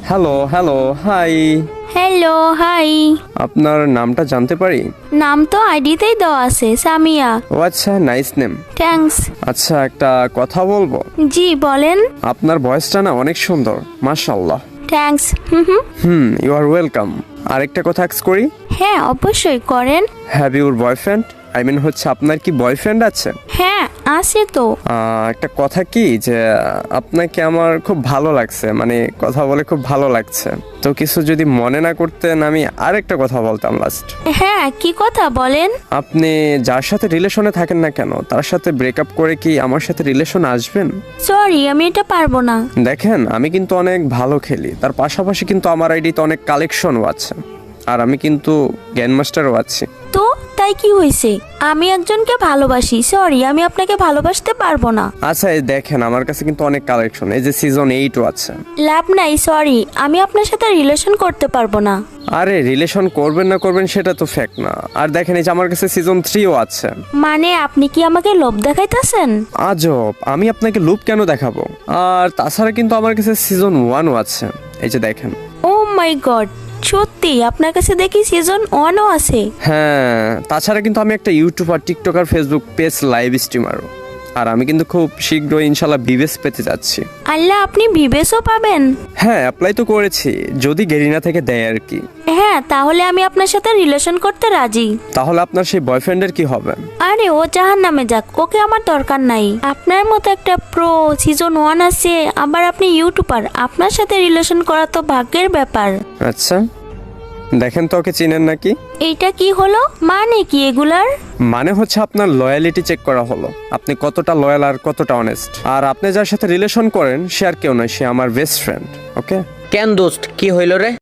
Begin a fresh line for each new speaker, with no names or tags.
Hello hello hi.
Hello hi.
আপনার নামটা জানতে পারি?
নাম তো আইডিতেই দেওয়া আছে, সামিয়া।
ও আচ্ছা, নাইস নেম।
থ্যাঙ্কস।
আচ্ছা, একটা কথা বলবো?
জি বলেন।
আপনার ভয়েসটা না অনেক সুন্দর, মাশাআল্লাহ।
থ্যাঙ্কস।
You are welcome. আরেকটা কথা আস্ক করি?
হ্যাঁ অবশ্যই করেন।
Have your boyfriend? I mean হচ্ছে আপনার কি বয়ফ্রেন্ড আছে?
হ্যাঁ আছে তো।
একটা কথা কি যে আপনাকে আমার খুব ভালো লাগছে, মানে কথা বলে খুব ভালো লাগছে। তো কিছু যদি মনে না করতেন, আমি আরেকটা কথা বলতাম লাস্ট।
হ্যাঁ কি কথা বলেন।
আপনি যার সাথে রিলেশনে থাকেন না কেন, তার সাথে ব্রেকআপ করে কি আমার সাথে রিলেশন আসবেন?
সরি আমি এটা পারবো না।
দেখেন, আমি কিন্তু অনেক ভালো খেলি, তার পাশাপাশি কিন্তু আমার আইডিতে অনেক কালেকশনও আছে, আর আমি কিন্তু গ্র্যান্ড মাস্টারও আছি।
তো তাই কি হয়েছে? আমি একজনকে ভালোবাসি, সরি আমি আপনাকে ভালোবাসতে পারবো না।
আচ্ছা, এই দেখেন আমার কাছে কিন্তু অনেক কালেকশন, এই যে সিজন 8ও আছে।
লাভ নাই, সরি আমি আপনার সাথে রিলেশন করতে পারবো না।
আরে রিলেশন করবেন না করবেন সেটা তো ফ্যাক্ট না। আর দেখেন, এই যে আমার কাছে সিজন 3ও আছে।
মানে আপনি কি আমাকে লোভ দেখাইতেছেন?
আজব, আমি আপনাকে লুপ কেন দেখাবো? আর তাছাড়া কিন্তু আমার কাছে সিজন 1ও আছে, এই যে দেখেন।
ও মাই গড, সত্যি আপনার কাছে দেখি সিজন 1ও আছে।
হ্যাঁ, তাছাড়া কিন্তু আমি একটা YouTuber, TikToker, Facebook page, live স্ট্রিমারও। আর আমি কিন্তু খুব শীঘ্রই ইনশাল্লাহ বিবেস পেতে যাচ্ছি।
আল্লাহ, আপনি বিবেসও পাবেন?
হ্যাঁ, অ্যাপ্লাই তো করেছি, যদি গেরিনা থেকে দেয় আর কি।
হ্যাঁ তাহলে আমি আপনার সাথে রিলেশন করতে রাজি।
তাহলে আপনার সেই বয়ফ্রেন্ডের কি হবে?
আরে ও জাহান নামে যাক, ওকে আমার দরকার নাই। আপনার মতো একটা প্রো, সিজন 1 আছে, আবার আপনি ইউটিউবার, আপনার সাথে রিলেশন করা তো ভাগ্যের ব্যাপার।
আচ্ছা, দেখেন তো ওকে চিনেন নাকি?
এইটা কি হলো? মানে কি এগুলার?
মানে হচ্ছে আপনার লয়ালিটি চেক করা হলো, আপনি কতটা লয়াল আর কতটা অনেস্ট। আর আপনি যার সাথে রিলেশন করেন সে আর কেউ নয়, সে আমার বেস্ট ফ্রেন্ড। ওকে?
কেন দোস্ত, কি হইল রে?